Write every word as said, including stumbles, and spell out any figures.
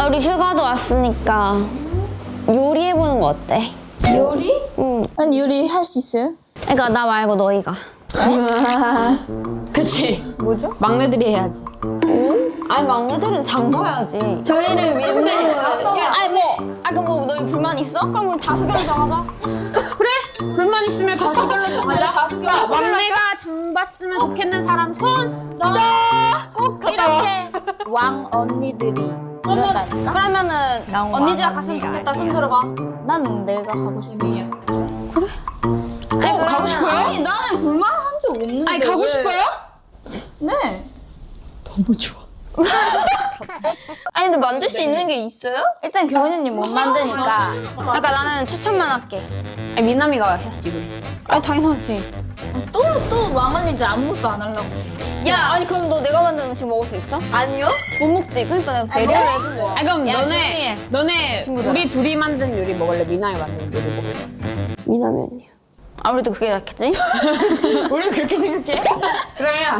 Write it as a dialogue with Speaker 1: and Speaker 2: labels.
Speaker 1: 아, 우리 휴가도 왔으니까 요리해보는 거 어때?
Speaker 2: 요리?
Speaker 1: 응.
Speaker 2: 아니 요리 할 수 있어요?
Speaker 1: 그러니까 나 말고 너희가.
Speaker 3: 그치?
Speaker 2: 뭐죠?
Speaker 3: 막내들이 해야지.
Speaker 1: 아니 막내들은 장 봐야지.
Speaker 2: 저희를 위해서
Speaker 1: 아니 뭐, 아 그럼 뭐 너희 불만 있어? 그럼 우리 다수결로 정하자.
Speaker 3: 그래? 불만 있으면 다수결로 정하자.
Speaker 2: 다수결로
Speaker 3: 자,
Speaker 2: 다수결로
Speaker 3: 막내가 장 봤으면 좋겠는 사람 손.
Speaker 1: 꼭 이렇게.
Speaker 2: 왕 언니들이 그런다니까?
Speaker 1: 그러면은
Speaker 2: 난
Speaker 1: 언니 집
Speaker 2: 왕
Speaker 1: 갔으면
Speaker 2: 언니가
Speaker 1: 좋겠다. 손
Speaker 2: 아니야.
Speaker 1: 들어봐.
Speaker 2: 난 내가 가고 싶어.
Speaker 3: 어, 가고 싶어요?
Speaker 2: 아니 나는 불만한 적 없는데.
Speaker 3: 아니, 가고
Speaker 2: 왜-
Speaker 3: 싶어요?
Speaker 2: 네.
Speaker 3: 너무 좋아.
Speaker 1: 아니 근데 만들 수 있는 게 있어요?
Speaker 2: 일단 교훈이님 못 만드니까.
Speaker 1: 그러니까 나는 추천만 할게.
Speaker 3: 아니, 미남이가 해야지, 이거.
Speaker 1: 아 당연하지.
Speaker 2: 또 또 왕 언니들 아무것도 안 하려고.
Speaker 1: 야 아니 그럼 너 내가 만든 음식 먹을 수 있어? 아니요. 못 먹지. 그러니까 내가 배려를 해준 거야.
Speaker 3: 아, 그럼
Speaker 1: 야,
Speaker 3: 너네,
Speaker 1: 조용히
Speaker 3: 너네,
Speaker 1: 친구들아.
Speaker 3: 우리 둘이 만든 요리 먹을래? 미남이 만든 요리 먹을래?
Speaker 1: 미남이 언니야. 아무래도 그게 낫겠지?
Speaker 3: 우리도 그렇게 생각해? 그러면